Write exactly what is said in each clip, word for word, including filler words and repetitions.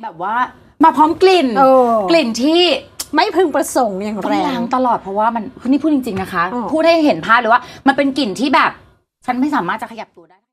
แบบว่ามาพร้อมกลิ่นกลิ่นที่ไม่พึงประสงค์อย่างแรงล้างตลอดเพราะว่ามันนี่พูดจริงๆนะคะพูดให้เห็นภาพเลยว่ามันเป็นกลิ่นที่แบบฉันไม่สามารถจะขยับตัวได้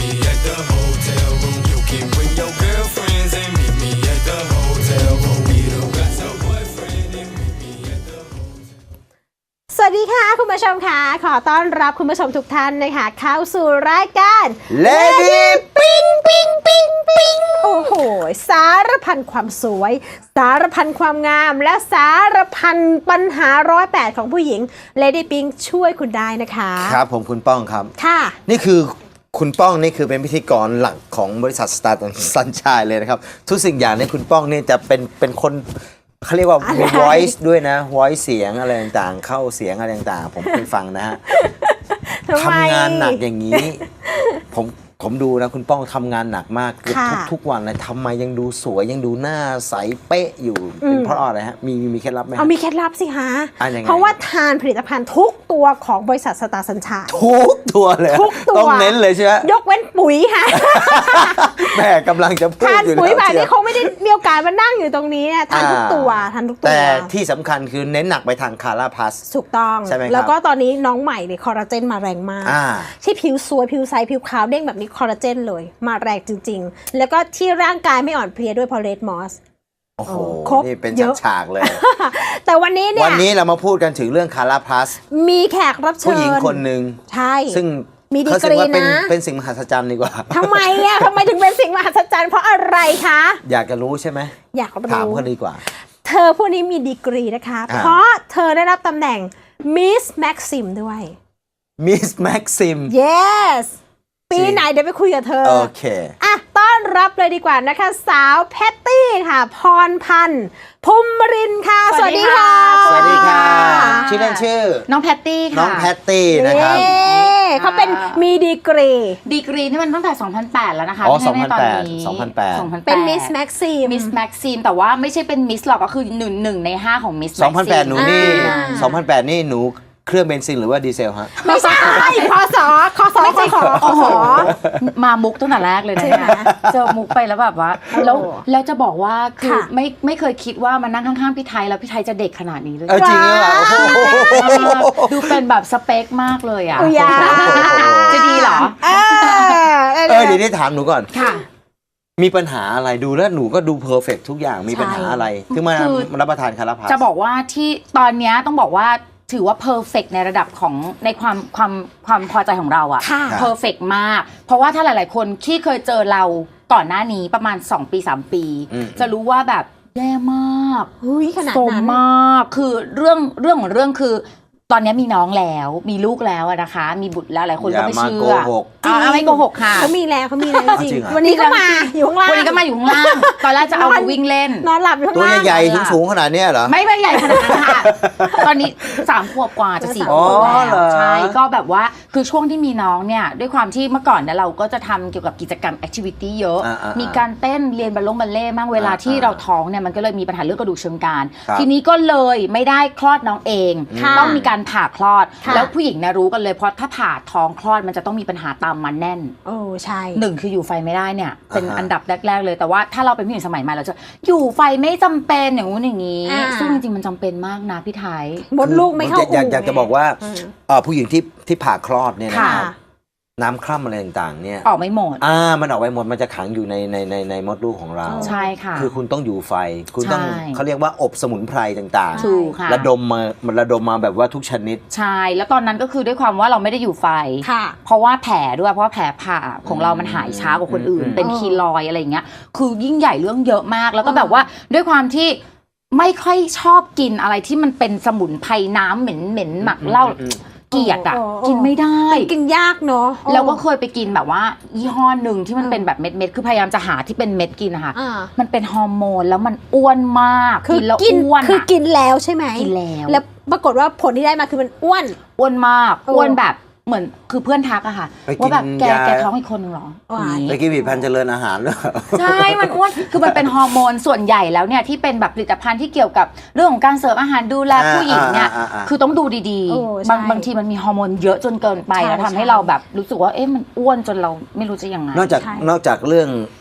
สวัสดีค่ะคุณผู้ชมค่ะขอต้อนรับคุณผู้ชมทุกท่านนะคะเข้าสู่รายการ Lady ปิ้งปิ้งปิ้งปิ้งโอ้โหสารพันความสวยสารพันความงามและสารพันปัญหาร้อยแปดของผู้หญิง Lady ปิ้งช่วยคุณได้นะคะครับผมคุณป้องครับค่ะนี่คือคุณป้องนี่คือเป็นพิธีกรหลักของบริษัท Star Sunshine เลยนะครับทุกสิ่งอย่างในคุณป้องนี่จะเป็นเป็นคนเขาเรียกว่า voice ด้วยนะ voice เสียงอะไรต่างๆเข้าเสียงอะไรต่างๆผมเคยฟังนะฮะทำงานหนักอย่างนี้ผมผมดูนะคุณป้องทำงานหนักมากทุกทุกวันเลยทำไมยังดูสวยยังดูหน้าใสเป๊ะอยู่เป็นเพราะอะไรฮะมีมีเคล็ดลับไหมเอามีเคล็ดลับสิฮะเพเพราะว่าทานผลิตภัณฑ์ทุกตัวของบริษัทสตาร์สัญชาติทุกตัวเลยทุกตัวต้องเน้นเลยใช่ไหมยกเว้นปุ๋ยค่ะแม่กำลังจะพูดอยู่แล้วทานปุ๋ยแบบนี้เขาไม่ได้มีโอกาสมานั่งอยู่ตรงนี้ทานทุกตัวทานทุกตัวแต่ที่สำคัญคือเน้นหนักไปทางคาราพลัสถูกต้องใช่ไหมครับแล้วก็ตอนนี้น้องใหม่เนี่ยคอลลาเจนมาแรงมากที่ผิวสวยผิวใสผิวขาวเด้งแบบนี้คอลลาเจนเลยมาแรงจริงๆแล้วก็ที่ร่างกายไม่อ่อนเพลียด้วยพอเลดมอสโอ้โหนี่เป็นฉากๆเลยแต่วันนี้เนี่ยวันนี้เรามาพูดกันถึงเรื่องคาราพลัสมีแขกรับเชิญผู้หญิงคนหนึ่งใช่ซึ่งมีดีกรีนะเป็นสิ่งมหัศจรรย์ดีกว่าทำไมอ่ะทำไมถึงเป็นสิ่งมหัศจรรย์เพราะอะไรคะอยากจะรู้ใช่ไหมอยากรู้ถามเขาดีกว่าเธอผู้นี้มีดีกรีนะคะเพราะเธอได้รับตำแหน่ง Miss Maxim ด้วย Miss Maxim yes ปีไหนเดี๋ยวไปคุยกับเธอโอเคอ่ะต้อนรับเลยดีกว่านะคะสาวแพตตี้ค่ะพรพันธ์ภูมิรินทร์ค่ะสวัสดีค่ะสวัสดีค่ะชื่อเล่นชื่อน้องแพตตี้ค่ะน้องแพตตี้นะครับเขาเป็นมีดีกรีดีกรีนี่มันตั้งแต่สองพันแปดแล้วนะคะอ๋อสองพันแปด สองพันแปดเป็น Miss Maxim Miss Maxim แต่ว่าไม่ใช่เป็น Miss หรอกก็คือหนึ่งหนึ่งในห้าของ Miss Maxim สองพันแปดหนูนี่สองพันแปดนี่หนูเครื่องเบนซินหรือว่าดีเซลฮะไม่ใช่พศคศไม่ใช่ขอโอ้โหมามุกตั้งแต่แรกเลยนะเจอมุกไปแล้วแบบว่าแล้วแล้วจะบอกว่าคือไม่ไม่เคยคิดว่ามานั่งข้างๆพี่ไทยแล้วพี่ไทยจะเด็กขนาดนี้เลยจริงเหรอดูเป็นแบบสเปคมากเลยอ่ะจะดีเหรอเออเดี๋ยวนี้ถามหนูก่อนค่ะมีปัญหาอะไรดูแล้วหนูก็ดูเพอร์เฟกต์ทุกอย่างมีปัญหาอะไรถึงมารับประทานคาราพลัสจะบอกว่าที่ตอนนี้ต้องบอกว่าถือว่าเพอร์เฟกในระดับของในความความความพอใจของเราอะเพอร์เฟกมากเพราะว่าถ้าหลายๆคนที่เคยเจอเราก่อนหน้านี้ประมาณสองปีสามปีจะรู้ว่าแบบแย่มากโสมมากคือเรื่องเรื่องของเรื่องคือตอนนี้มีน้องแล้วมีลูกแล้วนะคะมีบุตรแล้วหลายคนก็ไม่เชื่ออ่าไม่โกหกค่ะเขามีแล้วเขามีแล้วจริงวันนี้ก็มาอยู่ข้างล่างวันนี้ก็มาอยู่ข้างล่างตอนแรกจะเอามาวิ่งเล่นนอนหลับอยู่ข้างล่างตัวใหญ่ๆสูงๆขนาดนี้เหรอไม่ไม่ใหญ่ขนาดนั้นค่ะตอนนี้สามขวบกว่าจะสี่ขวบแล้วใช่ก็แบบว่าคือช่วงที่มีน้องเนี่ยด้วยความที่เมื่อก่อนเนี่ยเราก็จะทำเกี่ยวกับกิจกรรมแอคทิวิตี้เยอะมีการเต้นเรียนบัลลงบัลเล่มั่งเวลาที่เราท้องเนี่ยมันก็เลยมีปัญหาเรื่องกระดูกเชิงกรานทีนี้ก็เลยไม่ได้คลอดน้องเองต้องมีการผ่าคลอดแล้วผู้หญิงนะรู้กันเลยเพราะถ้าผ่าท้องคลอดมันจะต้องมีปัญหาตามมาแน่นโอ้ใช่หนึ่งคืออยู่ไฟไม่ได้เนี่ยเป็นอันดับแรกๆเลยแต่ว่าถ้าเราเป็นผู้หญิงสมัยใหม่เราจะอยู่ไฟไม่จำเป็นอย่างงู้นอย่างนี้ซึ่งจริงๆมันจำเป็นมากนะพี่ไทยมดลูกไม่เข้าอู่อยากจะบอกว่าผู้หญิงที่ที่ผ่าคลอดเนี่ยนะครับน้ำคร่ำอะไรต่างๆเนี่ยออกไม่หมดอ่ามันออกไปหมดมันจะขังอยู่ในในในในมดลูกของเราใช่ค่ะคือคุณต้องอยู่ไฟคุณต้องเขาเรียกว่าอบสมุนไพรต่างๆถูกค่ะระดมมามันระดมมาแบบว่าทุกชนิดใช่แล้วตอนนั้นก็คือด้วยความว่าเราไม่ได้อยู่ไฟเพราะว่าแผลด้วยเพราะว่าแผลผ่าของเรามันหายช้ากว่าคนอื่นเป็นคีลอยอะไรอย่างเงี้ยคือยิ่งใหญ่เรื่องเยอะมากแล้วก็แบบว่าด้วยความที่ไม่ค่อยชอบกินอะไรที่มันเป็นสมุนไพรน้ำเหม็นเหม็นหมักเหล้าเกลียดอ่ะกินไม่ได้กินยากเนาะแล้วก็เคยไปกินแบบว่ายี่ห้อหนึ่งที่มันเป็นแบบเม็ดเม็ดคือพยายามจะหาที่เป็นเม็ดกินนะคะมันเป็นฮอร์โมนแล้วมันอ้วนมากกินแล้วอ้วนคือกินแล้วใช่ไหมกินแล้วแล้วปรากฏว่าผลที่ได้มาคือมันอ้วนอ้วนมากอ้วนแบบเหมือนคือเพื่อนทักอะค่ะว่าแบบแกแกท้องอีกคนนึงหรอไปกินผลิตภัณฑ์เจริญอาหารหรอใช่มันอ้วนคือมันเป็นฮอร์โมนส่วนใหญ่แล้วเนี่ยที่เป็นแบบผลิตภัณฑ์ที่เกี่ยวกับเรื่องของการเสริมอาหารดูแลผู้หญิงเนี่ยคือต้องดูดีๆบางบางทีมันมีฮอร์โมนเยอะจนเกินไปแล้วทำให้เราแบบรู้สึกว่าเอ๊ะมันอ้วนจนเราไม่รู้จะยังไงนอกจากนอกจากเรื่อง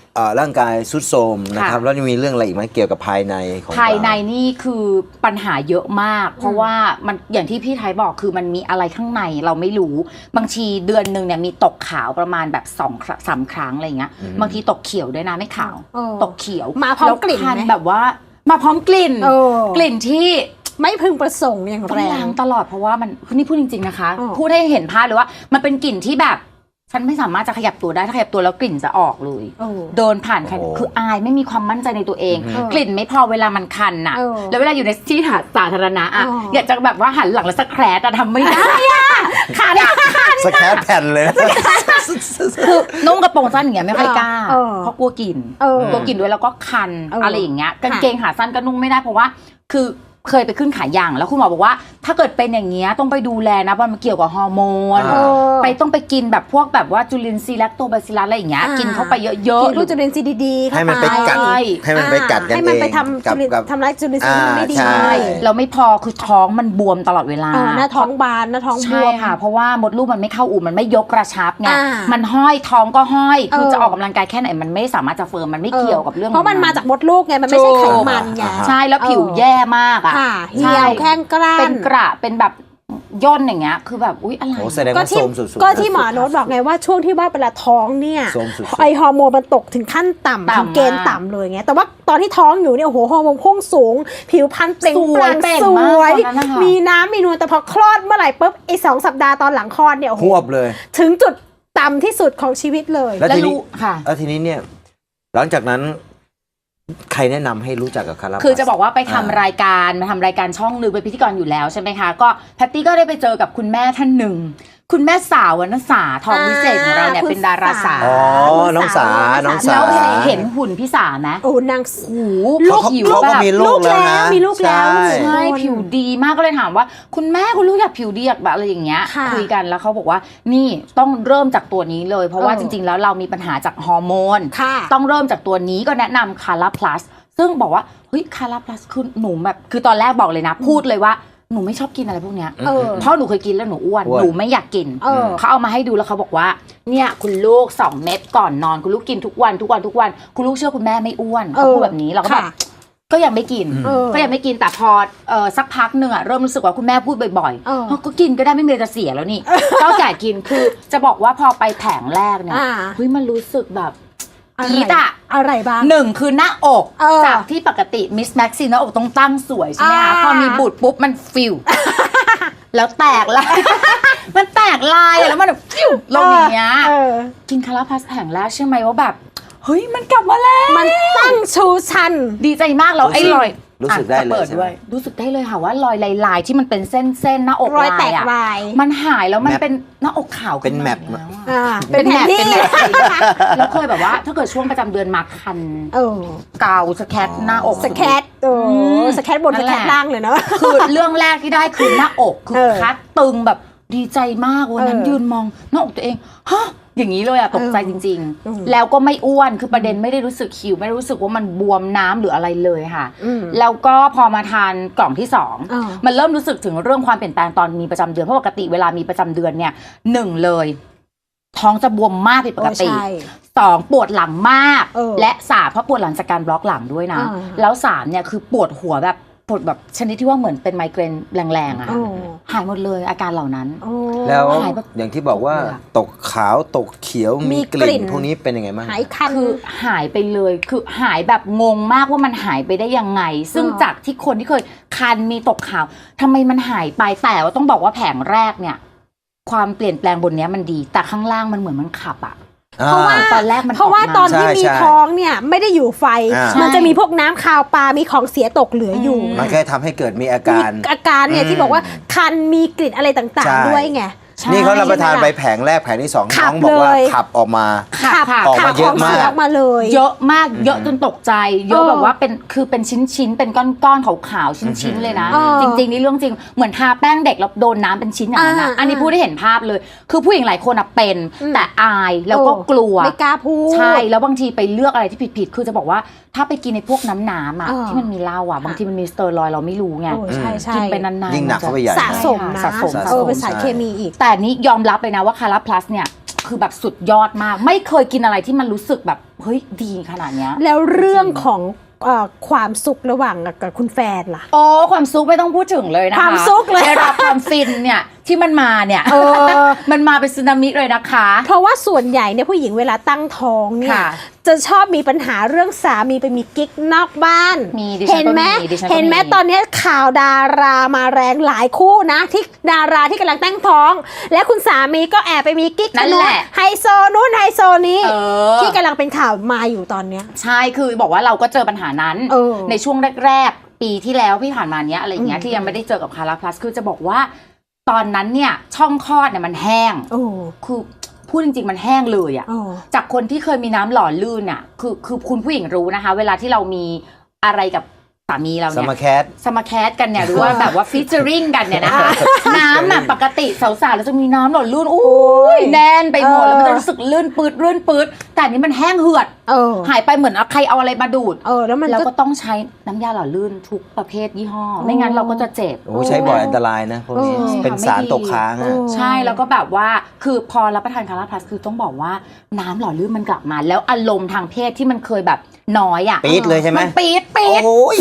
เอ่อร่างกายทรุดโทรมนะครับแล้วยังมีเรื่องอะไรอีกไหมเกี่ยวกับภายในของภายในเรานี่คือปัญหาเยอะมาก เพราะว่ามันอย่างที่พี่ไทยบอกคือมันมีอะไรข้างในเราไม่รู้บางทีเดือนหนึ่งเนี่ยมีตกขาวประมาณแบบสองสามครั้งอะไรเงี้ยบางทีตกเขียวด้วยนะไม่ขาวเออตกเขียวมาพร้อมกลิ่นไหมแคัแบบว่ามาพร้อมกลิ่นเออกลิ่นที่ไม่พึงประสงค์อย่างต้อแรงล้าง งตลอดเพราะว่ามันนี่พูดจริงๆนะคะอ๋อพูดให้เห็นภาพเลยว่ามันเป็นกลิ่นที่แบบฉันไม่สามารถจะขยับตัวได้ถ้าขยับตัวแล้วกลิ่นจะออกเลยเออเดินผ่านใครโอ้โหคืออายไม่มีความมั่นใจในตัวเองอืมกลิ่นไม่พอเวลามันคันน่ะเออแล้วเวลาอยู่ในที่สาธารณะอ่ะอ๋ออยากจะแบบว่าหันหลังแล้วสแครแต่ทำไม่ได้อ่ะขาเนี่ยคันสแครปแผ่นเลยนะคือนุ่งกระโปรงสั้นอย่างเงี้ยไม่ค่อยกล้าเออเพราะกลัวกลิ่นเออกลัวกลิ่นด้วยแล้วก็คันเออออะไรอย่างเงี้ยค่ะกางเกงขาสั้นก็นุ่งไม่ได้เพราะว่าคือเคยไปขึ้นขายยางแล้วคุณหมอบอกว่า ถ้าเกิดเป็นอย่างเงี้ยต้องไปดูแลนะเพราะมันเกี่ยวกับฮอร์โมนอ่าไปต้องไปกินแบบพวกแบบว่าจุลินทรีย์แลคโตบาซิลลัสอะไรอย่างเงี้ยอ่ากิกินเข้าไปเยอะกินๆพวกจุลินทรีย์ดีๆเข้าให้มันไปกัดใช่ให้มันไปกัดกันให้เองมันไปทำกับจุลินกับทำร้ายจุลินทรีย์ที่มันไม่ดีอ่าใช่เราไม่พอคือท้องมันบวมตลอดเวลาเออหน้าท้องบานหน้าท้องบใช่วมค่ะ เพราะว่ามดลูกมันไม่เข้าอู่มันไม่ยกกระชับไงอ่ามันห้อยท้องก็ห้อยคือเออจะออกกำลังกายแค่ไหนมันไม่สามารถจะเฟิร์มมันไม่เกี่ยวกับเรื่องเพราะมันของมาจากมดลูกไงมันไม่ใช่ไขมันไงถูกใช่แล้วผิวเออแย่มากอ่ะค่ะเหี่ใช่ยวแข้งกร้านเป็นกระเป็นแบบย่นอย่างเงี้ยคือแบบอุ๊ยอะไรโอ้แสดงก็ว่าที่โทรมสุดๆก็ที่หมอโน้ตบอกไงว่าช่วงที่ว่าเวลาท้องเนี่ยโทรมสุดๆไอฮอร์โมนมันตกถึงขั้นต่ำต่ำถึงเกณฑ์มากต่ำเลยไงแต่ว่าตอนที่ท้องอยู่เนี่ยโอ้โหฮอร์โมนพุ่งสูง ผิวพรรณเปล่งสปวยลั่งเปล่งสมากวยตอนนั้นนะคะมีน้ำมีนวลแต่พอคลอดเมื่อไหร่ปุ๊บไอสองสัปดาห์ตอนหลังคลอดเนี่ยโอ้โหควบเลยถึงจุดต่ำที่สุดของชีวิตเลยแล้วแล้วทีนี้รู้ค่ะแล้วทีนี้เนี่ยหลังจากนั้นใครแนะนำให้รู้จักกับคาราคือจะบอกว่าไปทำอ่รายการมาทำรายการช่องหนึ่งเป็นพิธีกรอยู่แล้วใช่ไหมคะก็แพตตี้ก็ได้ไปเจอกับคุณแม่ท่านหนึ่ง คุณแม่สาววรรณสาทองวิเศษของเราเนี่ยอ่าเป็นดาราสาวอ๋อน้องสาน้องสาแล้วเห็นหุ่นพี่สาไหมโอ้นางโอ้เขาผิวเขาแบก็บมีลูกแล้วนะมีลูกแล้วใช่ใช่ผิวดีมากก็เลยถามว่า คุณแม่คุณลูกอยากผิวดีอยากแบบอะไรอย่างเงี้ยค่ะคุยกันแล้วเขาบอกว่านี่ต้องเริ่มจากตัวนี้เลย เพราะว่าเออจริง ๆ แล้วเรามีปัญหาจากฮอร์โมนค่ะต้องเริ่มจากตัวนี้ก็แนะนำคาราพลัสซึ่งบอกว่าเฮ้ยคาราพลัสคือหนูแบบคือตอนแรกบอกเลยนะ พูดเลยว่าหนูไม่ชอบกินอะไรพวกเนี้ยเออเพราะหนูเคยกินแล้วหนูอ้วนอ้วนหนูไม่อยากกินเออเขาเอามาให้ดูแล้วเขาบอกว่าเนี่ยคุณลูกสองเม็ดก่อนนอนคุณลูกกินทุกวันทุกวันทุกวันคุณลูกเชื่อคุณแม่ไม่อ้วนเขาพูดแบบนี้เราก็แบบค่ะก็ยังไม่กินเออก็ยังไม่กินแต่พอเออสักพักหนึ่งอะเริ่มรู้สึกว่าคุณแม่พูดบ่อยเออๆก็กินก็ได้ไม่มีอะไรจะเสียแล้วนี่ ก็แก่กินคือจะบอกว่าพอไปแผงแรกเนี่ยอ่าเฮ้ยมันรู้สึกแบบอะไรจี๊ดอะอะไรบ้างหนึ่งคือหน้าอกเออจากที่ปกติมิสแม็กซี่หน้าอกต้องตั้งสวยใช่ไหมคะอ่าพอมีบุตรปุ๊บมันฟิว แล้วแตกลาย มันแตกลายอะแล้วมันแบบฟิวลงอย่างเงี้ยเออกินคาราพัสแผงแรกใช่ไหมว่าแบบเฮ้ยมันกลับมาแล้วมันตั้งชูชันดีใจมากแล้วไอ้รอยรู้สึกได้เลยอ่ะจะปิใช่ไหมด้วยรู้สึกได้เลยค่ะว่ารอยลายๆที่มันเป็นเส้นเส้นๆหน้าอกรอยแตกอะลายมันหายแล้วมันแมปเป็นหน้าอกขาวเป็นแมปขึ้าแล้วอะอ่าเป็นแมปที่เป็นแมปแล้วเคยแบบว่า ถ้าเกิดช่วงประจำเดือนมาคันเออเกาสแคทหน้าอกสแคทโอ้อืมสแคทบนนั่สนแหแคละทล่างเลยเนาะคือเรื่องแรกที่ได้คือหน้าอกคือเออคัดตึงแบบดีใจมากวันนั้นเออยืนมองหน้าอกตัวเองฮะอย่างนี้เลยอะตกใจจริงอืมๆ แล้วก็ไม่อ้วนคือประเด็นไม่ได้รู้สึกหิวไม่ได้รู้สึกว่ามันบวมน้ำหรืออะไรเลยค่ะอืมแล้วก็พอมาทานกล่องที่สองอ่ามันเริ่มรู้สึกถึงเรื่องความเปลี่ยนแปลงตอนมีประจำเดือนเพราะปกติเวลามีประจำเดือนเนี่ยหนึ่งเลย ท้องจะบวมมากผิดปกติเออใช่สองปวดหลังมากเออและสามเพราะปวดหลังจากการบล็อกหลังด้วยนะอ่าแล้วสามเนี่ยคือปวดหัวแบบปวดแบบชนิดที่ว่าเหมือนเป็นไมเกรนแรงๆอะโอ้หายหมดเลยอาการเหล่านั้นโอ้แล้วหายแบบอย่างที่บอกว่าเลยอะตกขาวตกเขียวมีมีกกลิ่ลิ่นนพวกนี้เป็นยังไงบ้างหายคันคือหายไปเลยคือหายแบบงงมากว่ามันหายไปได้ยังไง ซึ่งอ่าจากที่คนที่เคยคันมีตกขาวทำไมมันหายไปแต่ว่าต้องบอกว่าแผงแรกเนี่ย ความเปลี่ยนแปลงบนเนี้ยมันดี แต่ข้างล่างมันเหมือนมันขับอะเพราะว่าตอนแรกมันเพราะว่าออกมาตอนที่ใช่มีใช่ท้องเนี่ยไม่ได้อยู่ไฟอ่ามันจะมีพวกน้ำคาวปลา มีของเสียตกเหลืออยู่มันแค่ทำให้เกิดมีอาการมีอาการเนี่ยอืมที่บอกว่าคันมีกลิ่นอะไรต่างใช่ๆ ด้วยไงใช่นี่เขารับประทานใช่หมไปล่ะแผงแรกแผงที่สองขัน้บองบอกว่าเลยขับออกมาขับขับออกมาขับเยอะมากขงสีออกมาเลยเยอะมากเยอะจนตกใจเยอะเออแบบว่าเป็นคือเป็นชิ้นๆเป็นก้อนๆขาวๆชิ้นๆเลยนะเออจริงๆนี่เรื่องจริงเหมือนทาแป้งเด็กแล้วโดนน้ำเป็นชิ้นอย่างนั้นนะอ่าอันนี้พูดได้เห็นภาพเลย คือผู้หญิงหลายคนอะเป็นอืมแต่อายแล้วก็เออกลัวไม่กล้าพูดใช่แล้วบางทีไปเลือกอะไรที่ผิดๆคือจะบอกว่าถ้าไปกินในพวกน้ำน้ำอะเออที่มันมีเหล้าอะบางทีมันมีสเตอรอยด์เราไม่รู้ไงโอ้ใช่ใช่กินไปนานๆยิ่งหนักเข้าไปใหญ่สะสมนะสะสมสะเอสอมเป็นสารใช่เคมีอีกแต่นี้ยอมรับเลยนะว่าคาราพลัสเนี่ยคือแบบสุดยอดมาก ไม่เคยกินอะไรที่มันรู้สึกแบบเฮ้ยดีขนาดเนี้ยแล้วเรื่องของเอ่อความสุขระหว่างกับคุณแฟนล่ะโอ้ความซุกไม่ต้องพูดถึงเลยนะคะความซุกเลยได้รับความฟินเนี่ยที่มันมาเนี่ยเออมันมาเป็นสึนามิเลยนะคะเพราะว่าส่วนใหญ่เนี่ยผู้หญิงเวลาตั้งท้องเนี่ยค่ะจะชอบมีปัญหาเรื่องสามีไปมีกิ๊กนอกบ้านมีดิฉันเห็นไหมก็มีดิฉันก็มีเห็นไหมตอนนี้ข่าวดารามาแรงหลายคู่นะ ที่ดาราที่กำลังตั้งท้อง และคุณสามีก็แอบไปมีกิ๊กนั่นแหละไฮโซนู้นไฮโซนี้เออที่กำลังเป็นข่าวมาอยู่ตอนเนี้ยใช่คือบอกว่าเราก็เจอปัญหานั้นเออในช่วงแรกๆ ปีที่แล้วที่ผ่านมาเนี้ยอะไรอย่างเงี้ยอืมที่ยังไม่ได้เจอกับคาราพลัสคือจะบอกว่า ตอนนั้นเนี่ยช่องคลอดเนี่ยมันแห้งโอ้คือพูดจริงๆมันแห้งเลยอะโอ้จากคนที่เคยมีน้ำหล่อลื่นอะคือคือคุณผู้หญิงรู้นะคะ เวลาที่เรามีอะไรกับสามีเราสเนี่ยมาแคทสมาแคสกันเนี่ยหรือว่าแบบว่าฟีเจอริงกันเนี่ยนะคะน้ำอะปกติสาวๆเราจะมีน้ำหล่อลื่นอุ้ยแน่นไปหมดเออแล้วมันจะรู้สึกลื่นปืดลื่นปืดแต่อันนี้มันแห้งเหือดเออหายไปเหมือนเอาใครเอาอะไรมาดูดเออแล้วมันแล้วก็ก็ต้องใช้น้ำยาหล่อลื่นทุกประเภทยี่ห้อ ไม่งั้นเราก็จะเจ็บโอ้ใช้บ่อยอันตรายนะพวกนี้เออเป็นสารตกค้างเออะอใช่แล้วก็แบบว่าคือพอรับประทานคาราพลัสคือต้องบอกว่าน้ำหล่อลื่นมันกลับมา แล้วอารมณ์ทางเพศที่มันเคยแบบน้อยอ่ะปี๊ดเลยใช่ไหมมันปี๊ดปี๊ดโอ้ย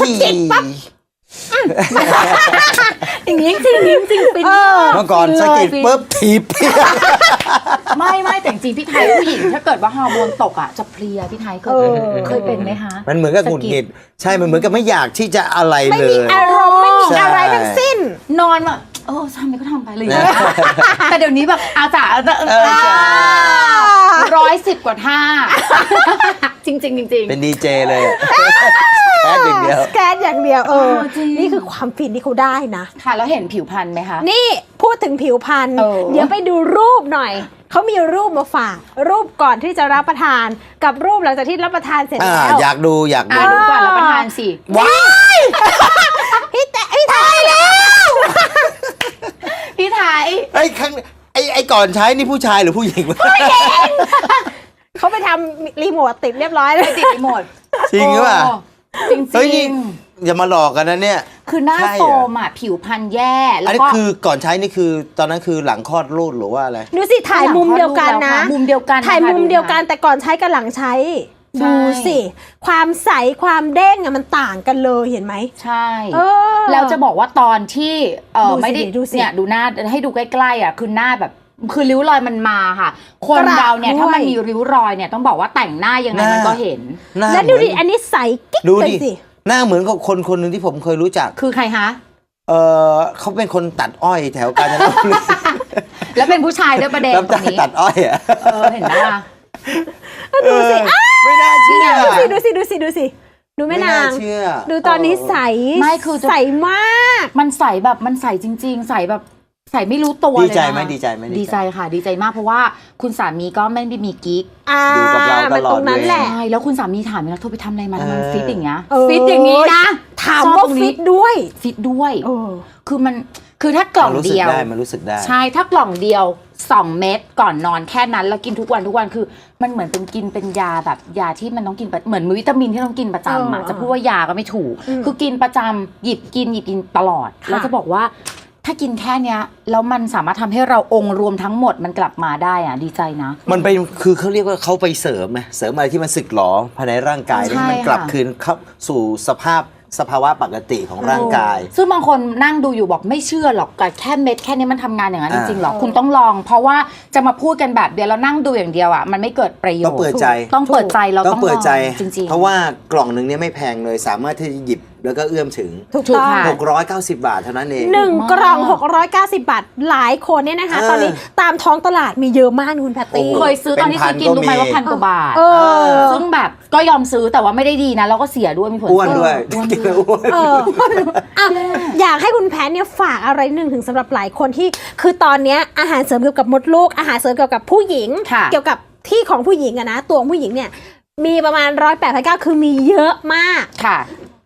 อย่างนี้จริงจริงจริงเป็นเมื่อก่อนสะกิดปุ๊บถีบไม่ไม่แต่จริงๆพี่ไทยผู้หญิงถ้าเกิดว่าฮอร์โมนตกอ่ะจะเพลียพี่ไทยเคยเออเคยเป็นไหมคะมันเหมือนกับหงุดหงิดใช่มันเหมือนกับไม่อยากที่จะอะไรไม่เลมียอารมณ์ไม่มีใช่อะไรทั้งสิ้นนอนแบบเออทำไปก็ทำไปเลย แต่เดี๋ยวนี้แบบอาจ๋าเออใช่ร้อยสิบกว่าท่า จริงจริงจริงเป็นดีเจเลยอะแค่อย่างเดียวแกนอย่างเดียวเออเออจริงนี่คือความฟินที่เขาได้นะค่ะแล้วเห็นผิวพรรณไหมคะนี่พูดถึงผิวพรรณเออเดี๋ยวไปดูรูปหน่อย เขามีรูปมาฝาก รูปก่อนที่จะรับประทาน กับรูปหลังจากที่รับประทานเสร็จอ่าแล้วอยากดูอยากอ่ะดูดูก่อนรับประทานสิว้ายพี่แต่พี่ไทยแล้วพี่ไทยไอ้ข้างไอ้ไอ้ก่อนใช้นี่ผู้ชายหรือผู้หญิงวะเขาไปทำรีโมทติดเรียบร้อยเลยติดรีโมทจริงหรือเปล่าจริงจเฮ้ยรินี่งอย่ามาหลอกกันนะเนี่ยคือหน้าใช่เหรอโฟมอ่ะผิวพรรณแย่อัแล้นวนี้ก็คือก่อนใช้นี่คือตอนนั้นคือหลังคลอดลูกหรือว่าอะไรดูสิถ่ายมุมเดียวกันนะมุมเดียวกันถ่ายนะคะมุมเดียวกันแต่ก่อนใช้กับหลังใช้ใช่ดูสิ ความใสความเด้งอะมันต่างกันเลยเห็นไหมใช่เออแล้วจะบอกว่าตอนที่เออดูสิไม่ได้ดูสิเนี่ยดูหน้าให้ดูใกล้ๆอ่ะคือหน้าแบบคือริ้วรอยมันมาค่ะ คนกระเราเนี่ยด้วยถ้ามันมีริ้วรอยเนี่ยต้องบอกว่าแต่งหน้ายังไงหน้ามัมันก็เห็นหน้าแล้วดูดิเหมือันนี้ใสกิ๊กดูเลยดิสิหน้าเหมือนกับคนคนหนึ่งที่ผมเคยรู้จักคือใครคะเออเขาเป็นคนตัดอ้อยแถวกาญจนบุรีแล้วเป็นผู้ชายด้วยประเด็นรับตรจ้างนี้ตัดอ้อยอ่ะเออเห็นไหมล่ะดูสิไม่น่าเชื่อดูสิดูสิดูสิดูสิดูแม่ไม่นาน่าง เชื่อดูตอนนี้ใสไม่คือจะใสมากมันใสแบบมันใสจริง ๆ ใสแบบใสไม่รู้ตัวดีเลยใจนะไหมดีใจไหมดีใจค่ะ ดีใจมากเพราะว่าคุณสามีก็ไม่ได้มีกิ๊กอ่าอยู่กับเราตลอดมันตรงนั้นแหละใช่แล้วคุณสามีถามเลยนะเธอไปทำอะไรมาทำไมมันเออฟิตอย่างเงี้ยเออฟิตอย่างนี้นะถามชอบว่าตรงนี้ฟิตด้วยฟิตด้วยเออคือมันคือถ้ากล่องมันรู้สึกเดียวได้มันรู้สึกได้ใช่ถ้ากล่องเดียวสองเม็ดก่อนนอนแค่นั้นแล้วกินทุกวันทุกวันคือมันเหมือนเป็นกินเป็นยาแบบยาที่มันต้องกินประเหมือนวิตามินที่ต้องกินประจำอ่ะเออจะพูดว่ายาก็ไม่ถูกอืมคือกินประจำหยิบกินหยิบกินตลอดค่ะแล้วจะบอกว่าถ้ากินแค่เนี้ยแล้วมันสามารถทำให้เราองค์รวมทั้งหมดมันกลับมาได้อ่ะดีใจนะมันเป็นคือเขาเรียกว่าเขาไปเสริมไงเสริมอะไรที่มันสึกหรอภายในร่างกายใช่ให้มันกลับค่ะคืนเข้าสู่สภาพสภาวะปกติของร่างกายซึ่งบางคนนั่งดูอยู่บอกไม่เชื่อหรอกแต่แค่เม็ดแค่นี้มันทำงานอย่างนั้นจอ่าริงๆหรอคุณต้องลอง เพราะว่าจะมาพูดกันแบบเดียวแล้วนั่งดูอย่างเดียวอ่ะมันไม่เกิดประโยชน์ต้องเปิดใจต้องเปิดใจเราต้ต้ออง งเปิดใจลองจริงๆเพราะว่ากล่องหนึ่งเนี่ยไม่แพงเลยสามารถที่จะหยิบแล้วก็เอื้อมถึงถูกถูกต้องค่ะหกร้อยเก้าสิบบาทเท่านั้นเองหนึ่งมากกล่อง หกร้อยเก้าสิบ บาท หลายคนเนี่ยนะคะเออตอนนี้ตามท้องตลาดมีเยอะมากคุณแพตตี้โอ้โหเคยซื้อตอนที่ซื้อกินรู้ไหมว่าพันกว่าบาทเออซึ่งแบบก็ยอมซื้อแต่ว่าไม่ได้ดีนะแล้วก็เสียด้วยมีผลอ้วนด้วยเสีอ้วนกินด้แล้ว วย อ้วนเอออ่ะอยากให้คุณแพทเนี่ยฝากอะไรหนึ่งถึงสำหรับหลายคนที่ คือตอนเนี้ยอาหารเสริมเกี่ยวกับมดลูก อาหารเสริมเกี่ยวกับผู้หญิงค่ะเกี่ยวกับที่ของผู้หญิงอะนะ ตัวของผู้หญิงเนี่ย มีประมาณร้อยแปดพันเก้าคือมีเยอะมากค่ะ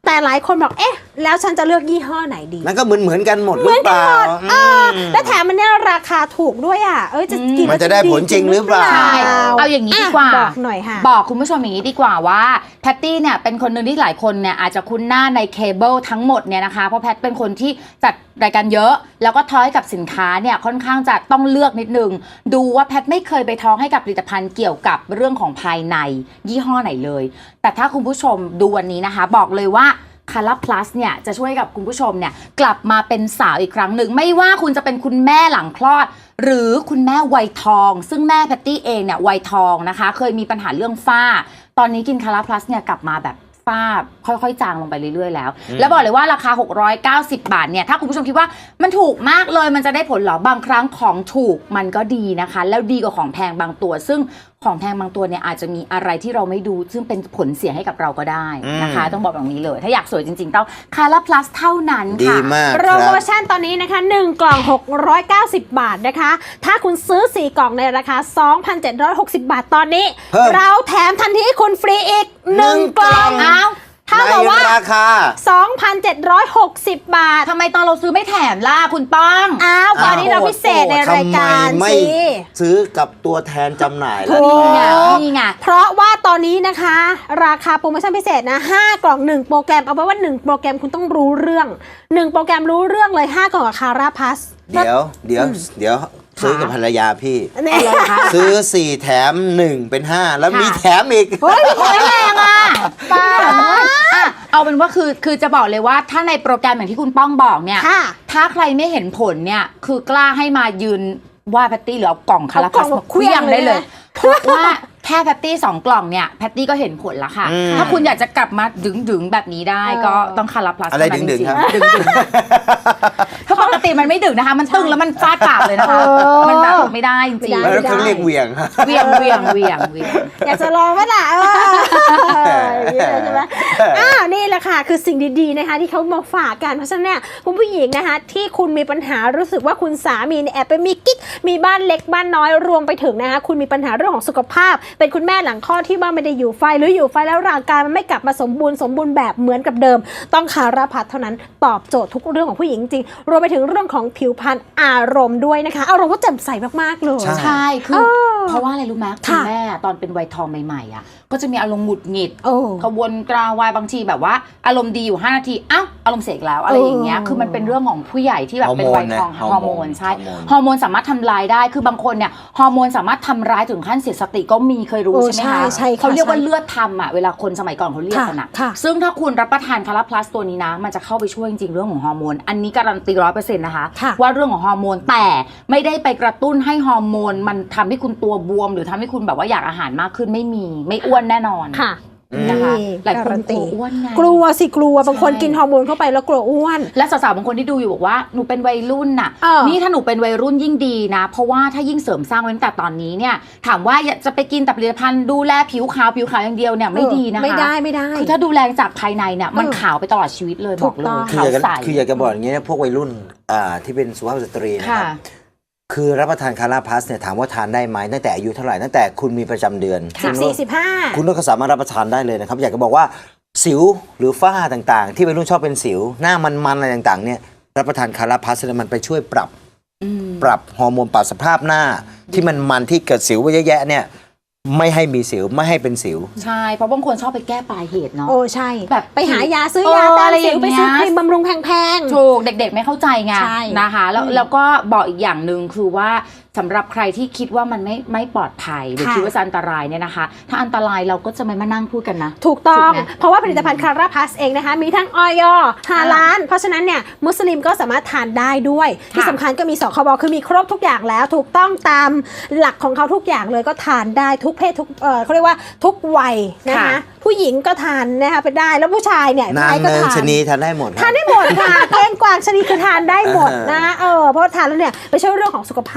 แต่หลายคนบอกเอ๊ะแล้วฉันจะเลือกยี่ห้อไหนดีนั่นก็เหมือนเหมือนกันหมดหเหรืมืออนเปกันล่าหมดเออและแถมมันเนี่ยราคาถูกด้วยอ่ะเอ้ยจะกินมันจะได้ผลจริงหรือเปล่าใช่เอาอย่างนี้ดีกว่าบอกหน่อยค่ะบอกคุณผู้ชมอย่างนี้ดีกว่าว่าแพตตี้เนี่ยเป็นคนหนึ่งที่หลายคนเนี่ยอาจจะคุ้นหน้าในเคเบิลทั้งหมดเนี่ยนะคะเพราะแพทเป็นคนที่จัดรายการเยอะแล้วก็ท้อยกับสินค้าเนี่ยค่อนข้างจะต้องเลือกนิดนึงดูว่าแพทไม่เคยไปท้องให้กับผลิตภัณฑ์เกี่ยวกับเรื่องของภายในยี่ห้อไหนเลยแต่ถ้าคุณผู้ชมดูวันนี้นะคะบอกเลยว่าคาราพลัสเนี่ยจะช่วยกับคุณผู้ชมเนี่ยกลับมาเป็นสาวอีกครั้งหนึ่งไม่ว่าคุณจะเป็นคุณแม่หลังคลอดหรือคุณแม่วัยทองซึ่งแม่แพตตี้เองเนี่ยวัยทองนะคะเคยมีปัญหาเรื่องฝ้าตอนนี้กินคาราพลัสเนี่ยกลับมาแบบฝ้าค่อยๆจางลงไปเรื่อยๆแล้วแล้วบอกเลยว่าราคาหกร้อยเก้าสิบบาทเนี่ยถ้าคุณผู้ชมคิดว่ามันถูกมากเลยมันจะได้ผลหรอบางครั้งของถูกมันก็ดีนะคะแล้วดีกว่าของแพงบางตัวซึ่งของแพงบางตัวเนี่ยอาจจะมีอะไรที่เราไม่ดูซึ่งเป็นผลเสียให้กับเราก็ได้นะคะต้องบอกแบบนี้เลยถ้าอยากสวยจริงๆต้องคาราพลัสเท่านั้นดีค่ะมากโปรโมชั่นตอนนี้นะคะหนึ่งกล่องหกร้อยเก้าสิบบาทนะคะถ้าคุณซื้อสี่กล่องในราคา สองพันเจ็ดร้อยหกสิบ บาทตอนนี้เพิ่มเราแถมทันทีให้คุณฟรีอีกหนึ่งกล่องอ้าวถ้าในบอกว่าราคาสองพันเจ็ดร้อยหกสิบ บาททำไมตอนเราซื้อไม่แถมล่ะคุณป้องอ้าววันนี้เราพิเศษในรายการทำไมไม่สิซื้อกับตัวแทนจำหน่ายล่ะถูกนี่ไงนี่ไงเพราะว่าตอนนี้นะคะ ราคาโปรโมชั่นพิเศษนะห้ากล่องหนึ่งโปรแกรมเอาไว้ว่าหนึ่งโปรแกรมคุณต้องรู้เรื่องหนึ่งโปรแกรมรู้เรื่องเลยห้ากล่องกับคาราพัสเดี๋ยวเดี๋ยวเดี๋ยวซื้อกับภรรยาพี่เนี่ยซื้อสี่แถมหนึ่งเป็นห้าแล้วมีค่ะแถมอีกเฮ้ยโอ้ยแรงอ่ะป้าอ่ะเอาเป็นว่าคือคือจะบอกเลยว่าถ้าในโปรแกรมอย่างที่คุณป้องบอกเนี่ยค่ะถ้าใครไม่เห็นผลเนี่ยคือกล้าให้มายืนว่าแพตตี้หรือเอากล่องคาราเอากล่พัองสมามาเคลี้ยงเคลี้ยงได้เลยเลยนะเพราะว่าแค่แพตตี้สองกล่องเนี่ยแพตตี้ก็เห็นผลแล้วค่ะอืมถ้าคุณอยากจะกลับมาดึงๆแบบนี้ได้ก็ต้องคาราพลัสอะไรเท่านั้นดึงๆจครับๆดึงๆ ถ้าปกติมันไม่ดึงนะคะ มันตึงแล้วมันฟาดปากเลยนะคะเออมันแบบไม่ได้จริงไม่ได้แล้วเขาเรียกเหวี่ยงๆเวียงเวียงเวียงเวียงอยากจะลองไหมล่ะเอออย่างนี้เลยใช่ไหมอ้าวนี่แหละค่ะคือสิ่งดีๆนะคะที่เขามาฝากกันเพราะฉะนั้นเนี่ยคุณผู้หญิงนะคะที่คุณมีปัญหารู้สึกว่าคุณสามีเนี่ยแอบไปมีกิ๊กมีบ้านเล็กบ้านน้อยรวมไปถึงนะคะคุณมีปัญหาเรื่องของสุขภาพ เป็นคุณแม่หลังคลอดที่ว่าไม่ได้อยู่ไฟหรืออยู่ไฟแล้วร่างกายมันไม่กลับมาสมบูรณ์สมบูรณ์แบบเหมือนกับเดิม ต้องคาราพัสเท่านั้นตอบโจทย์ทุกเรื่องของผู้หญิงจริงๆรวมไปถึงเรื่องของผิวพรรณอารมณ์ด้วยนะคะอารมณ์ก็แจ่มใสมากๆเลยใช่ใช่คือเออเพราะว่าอะไรรู้ไหมคุณค่ะแม่ตอนเป็นวัยทองใหม่ๆอ่ะก็จะมีอารมณ์หงุดหงิดโอ้กระวนกระวายบางทีแบบว่าอารมณ์ดีอยู่ห้านาทีอ้าวอารมณ์เสียอีกแล้วอะไรอย่างเงี้ยเออคือมันเป็นเรื่องของผู้ใหญ่ที่แบบเป็นวัยทองฮอร์โมนนะฮอร์โมนใช่ฮอร์โมนฮอร์โมนสามารถทำลายได้คือบางคนเนี่ยฮอร์โมนสามารถทำร้ายถึงขั้นเสียสติก็มีเคยรู้โอ้ใช่ไหมใช่คะใช่ค่ะเขาเรียกว่าใช่เลือดทำอ่ะเวลาคนสมัยก่อนเขาเรียกกันอ่ะค่ะซึ่งถ้าคุณรับประทานคาราพลัสตัวนี้นะมันจะเข้าไปช่วยจริงๆเรื่องของฮอร์โมนอันนี้การันตีร้อยเปอร์เซ็นต์นะคะค่ะว่าเรื่องของฮอร์โมนแต่ไม่ได้ไปกระตุ้นให้ฮอร์โมนมันทำให้คุณตัวบวม หรือทำให้คุณแบบว่าอยากอาหารมากขึ้นไม่มีไม่อ้วนแน่นอนค่ะนะคะนี่หลายคนการันตีกลัวอ้วนไงกลัวสิกลัวบางคนใช่กินฮอร์โมนเข้าไปแล้วกลัวอ้วนและสาวๆบางคนที่ดูอยู่บอกว่าหนูเป็นวัยรุ่นน่ะเออนี่ถ้าหนูเป็นวัยรุ่นยิ่งดีนะ เพราะว่าถ้ายิ่งเสริมสร้างไว้ตั้งแต่ตอนนี้เนี่ยถามว่าอยากจะไปกินแต่ผลิตภัณฑ์ดูแลผิวขาวผิวขาวอย่างเดียวเนี่ยไม่ดีนะคะไม่ได้ไม่ได้คือถ้าดูแลจากภายในเนี่ยมันเออขาวไปตลอดชีวิตเลยบถูอกกเลต้องยคือขาวอยากจะใสคืออยากจะบอกอย่างเงี้ยนะพวกวัยรุ่นอ่าที่เป็นสุภาพสตรีนะคค่ะรับคือรับประทานคาราพัสเนี่ยถามว่าทานได้ไหมตั้งแต่อายุเท่าไหร่ตั้งแต่คุณมีประจำเดือนสิบสี่สิบห้าคุณก็สามารถรับประทานได้เลยนะครับอยากจะบอกว่าสิวหรือฝ้าต่างๆ ที่วัยรุ่นชอบเป็นสิวหน้ามันๆอะไรต่างๆเนี่ยรับประทานคาราพัสเนี่ยมันไปช่วยปรับอืมปรับฮอร์โมนปรับสภาพหน้า ที่มันมันที่เกิดสิวไว้เยอะแยะเนี่ยไม่ให้มีสิวไม่ให้เป็นสิวใช่เพราะบางคนชอบไปแก้ปลายเหตุเนาะโอ้ใช่แบบไปหายาซื้อเออยาต้านอะไรสิวอย่างไปเงี้ยซื้อครีมบำรุงแพงๆถูกเด็กๆไม่เข้าใจไงใช่นะคะแล้วอืมแล้วก็บอกอีกอย่างหนึ่งคือว่าสำหรับใครที่คิดว่ามันไม่ไม่ปลอดภัยหรือค่ะคิดว่าจะอันตรายเนี่ยนะคะ ถ้าอันตรายเราก็จะไม่มานั่งพูดกันนะถูกต้องถูกไหมเพราะว่าผลิตภัณฑ์คาราพัสเองนะคะ มีทั้งออยฮาลาลเพราะฉะนั้นเนี่ยมุสลิมก็สามารถทานได้ด้วยค่ะที่สำคัญก็มีสคบคือมีครบทุกอย่างแล้ว ถูกต้องตามหลักของเขาทุกอย่างเลยก็ทานได้ทุกเพศทุกเออเขาเรียกว่าทุกวัยนะคะผู้หญิงก็ทานนะคะไปได้แล้วผู้ชายเนี่ยนางชายก็เนินทานชะนีทานได้หมดทานได้หมดค่ะ เก้งกวางชนิดคือทานได้หมดนะเออเพราะทานแล้วเนี่ยไปช่วยเรื่องของสุขภาพภายใน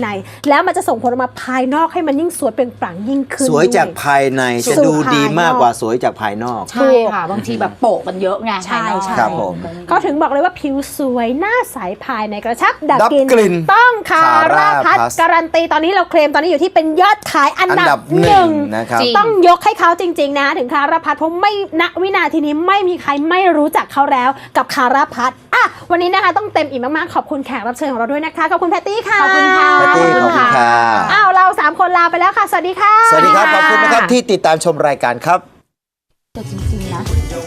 ในแล้วมันจะส่งผลออกมาภายนอกให้มันยิ่งสวยเปล่งปลั่งยิ่งขึ้นสวยจากด้ภายในจะดูดีมากกว่าสวยจากภายนอกใช่ค่ะบางทีแบบโปะกันเยอะไงใช่ภายนอกใช่ครับผมเขาถึงบอกเลยว่าผิวสวยหน้าใสภายในกระชับดับดับกลิ่นกลิ่นต้องคารา Cara พัส Plus การันตีตอนนี้เราเคลมตอนนี้อยู่ที่เป็นยอดขายอันอันดัดับบหหนึ่นึ่งงนะครับจริงต้องยกให้เขาจริงๆนะถึงคาราพัสเพราะไม่ณวินาทีนี้ไม่มีใครไม่รู้จักเขาแล้วกับคาราพัสอ่ะวันนี้นะคะต้องเต็มอิ่มมากๆขอบคุณแขกรับเชิญของเราด้วยนะคะขอบคุณแพตตี้ค่ะขอบคุณค่ะแพตตี้ขอบคุณค่ะอ้าวเราสามคนลาไปแล้วค่ะสวัสดีค่ะสวัสดีครับขอบคุณนะครับที่ติดตามชมรายการครับแต่จริงๆนะ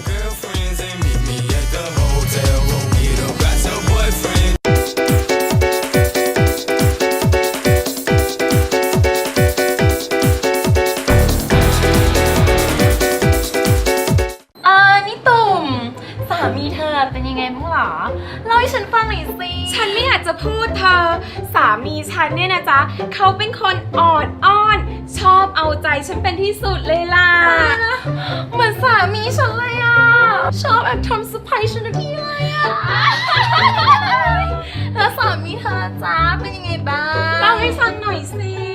อ่านี่ตุ่มสามีเธอเป็นยังไงบ้างหรอเล่าให้ฉันฟังหน่อยสิฉันไม่อยากจะพูดเธอ สามีฉันเนี่ยนะจ๊ะเขาเป็นคนอ่อนอ้อน ชอบเอาใจฉันเป็นที่สุดเลยล่ะเหมือนสามีฉันเลยอ่ะ ชอบแอบทำเซอร์ไพรส์ฉันทุกทีเลยอ่ะ แล้วสามีเธอจ้าเป็นยังไงบ้างเล่าให้ฟังหน่อยสิ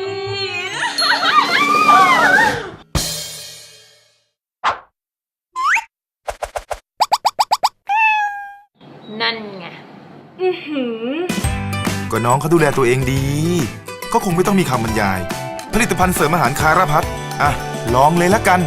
นั่นไงอือหือก็น้องเขาดูแลตัวเองดี ก็คงไม่ต้องมีคำบรรยาย ผลิตภัณฑ์เสริมอาหารคาราพัทอ่ะ ลองเลยละกัน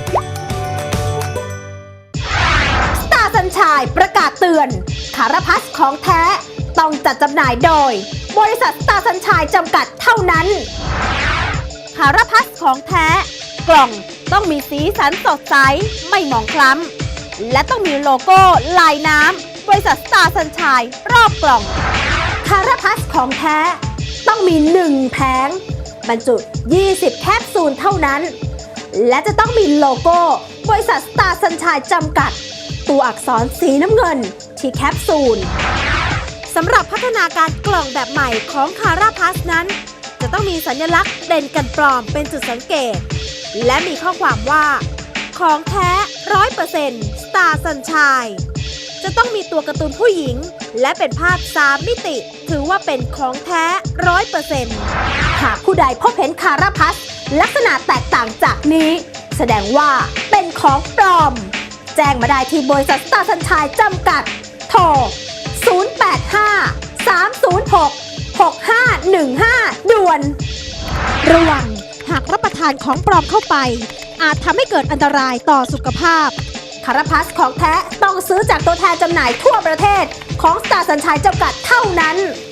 สตาร์สัญชัยประกาศเตือนคาราพัสของแท้ต้องจัดจำหน่ายโดย บริษัทสตาร์สัญชัยจำกัดเท่านั้นคาราพัสของแท้ กล่องต้องมีสีสันสดใสไม่หมองคล้ำและต้องมีโลโก้ลายน้ำบริษัทสตาร์สัญชัยรอบกล่องคาราพัสของแท้ต้องมีหนึ่งแผงบรรจุยี่สิบแคปซูลเท่านั้นและจะต้องมีโลโก้บริษัทสตาร์สัญชัยจำกัดตัวอักษรสีน้ำเงินที่แคปซูลสำหรับพัฒนาการกล่องแบบใหม่ของคาราพัสนั้นจะต้องมีสัญลักษณ์เด่นกันปลอมเป็นจุดสังเกตและมีข้อความว่าของแท้ ร้อยเปอร์เซ็นต์ สตาร์สัญชัยจะต้องมีตัวการ์ตูนผู้หญิงและเป็นภาพสามมิติถือว่าเป็นของแท้ ร้อยเปอร์เซ็นต์ หากผู้ใดพบเห็นคาราพัสลักษณะแตกต่างจากนี้แสดงว่าเป็นของปลอมแจ้งมาได้ที่บริษัทสตาร์สัญชัยจำกัดโทร ศูนย์ แปด ห้า สาม ศูนย์ หก หก ห้า หนึ่ง ห้า ด่วน ระวังหากรับประทานของปลอมเข้าไปอาจทำให้เกิดอันตรายต่อสุขภาพคาราพัสของแท้ต้องซื้อจากตัวแทนจำหน่ายทั่วประเทศของสตาร์สัญชัยจำกัดเท่านั้น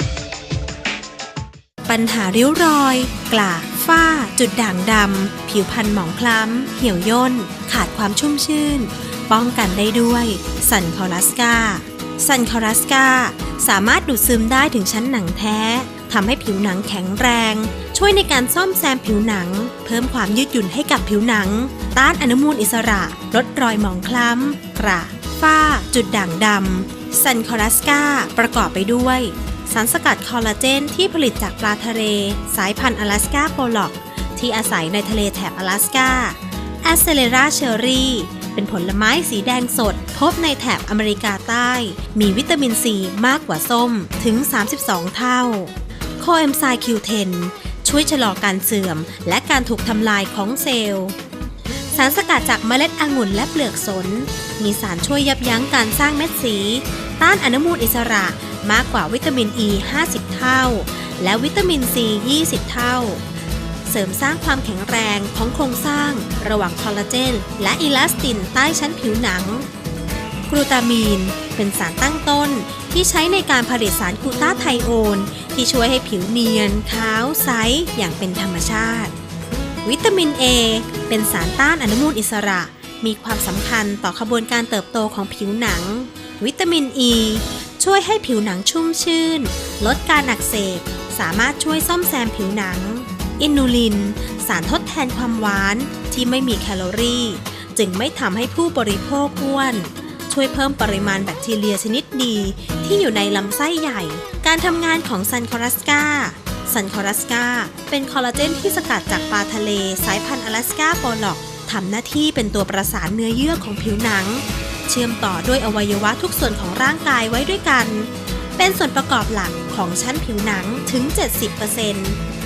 ปัญหาริ้วรอย กลากฝ้า จุดด่างดำ ผิวพรรณหมองคล้ำ เหี่ยวย่น ขาดความชุ่มชื่น ป้องกันได้ด้วยซันคอรัสกาซันคอรัสกาสามารถดูดซึมได้ถึงชั้นหนังแท้ทำให้ผิวหนังแข็งแรง ช่วยในการซ่อมแซมผิวหนัง เพิ่มความยืดหยุ่นให้กับผิวหนัง ต้านอนุมูลอิสระ ลดรอยหมองคล้ำ กระฝ้า จุดด่างดำซันคอรัสกาประกอบไปด้วยสารสกัดคอลลาเจนที่ผลิตจากปลาทะเลสายพันธุ์อลาสกาโปล็อกที่อาศัยในทะเลแถบอลาสกาแอสเซเลราเชอรี่เป็นผลไม้สีแดงสดพบในแถบอเมริกาใต้ มีวิตามินซีมากกว่าส้มถึง สามสิบสอง เท่าโคเอนไซม์ คิว เท็น ช่วยชะลอการเสื่อมและการถูกทำลายของเซลล์สารสกัดจากเมล็ดองุ่นและเปลือกสนมีสารช่วยยับยั้งการสร้างเม็ดสีต้านอนุมูลอิสระมากกว่าวิตามินอ อี ห้าสิบ เท่าและวิตามินซี ยี่สิบ เท่าเสริมสร้างความแข็งแรงของโครงสร้างระหว่างคอลลาเจนและอิลาสตินใต้ชั้นผิวหนังกลูตามีนเป็นสารตั้งต้นที่ใช้ในการผลิตสารกลูตาไทโอนที่ช่วยให้ผิวเนียนขาวใสอย่างเป็นธรรมชาติวิตามิน A เป็นสารต้านอนุมูลอิสระมีความสำคัญต่อขบวนการเติบโตของผิวหนังวิตามิน E ช่วยให้ผิวหนังชุ่มชื่นลดการอักเสบสามารถช่วยซ่อมแซมผิวหนังอินูลินสารทดแทนความหวานที่ไม่มีแคลอรี่จึงไม่ทำให้ผู้บริโภคอ้วนช่วยเพิ่มปริมาณแบคทีเรียชนิดดีที่อยู่ในลำไส้ใหญ่การทำงานของซันคอรัสกาซันคอรัสกาเป็นคอลลาเจนที่สกัดจากปลาทะเลสายพันธุ์อลาสกาโปล็อกทำหน้าที่เป็นตัวประสานเนื้อเยื่อของผิวหนังเชื่อมต่อด้วยอวัยวะทุกส่วนของร่างกายไว้ด้วยกันเป็นส่วนประกอบหลักของชั้นผิวหนังถึง เจ็ดสิบเปอร์เซ็นต์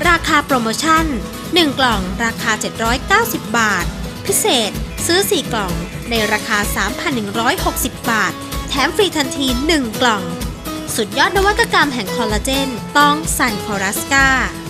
ราคาโปรโมชั่นหนึ่งกล่องราคาเจ็ดร้อยเก้าสิบบาทพิเศษซื้อสี่กล่องในราคา สามพันหนึ่งร้อยหกสิบ บาทแถมฟรีทันทีหนึ่งกล่องสุดยอดนวัตกรรมแห่งคอลลาเจนต้องซันคอลัสกา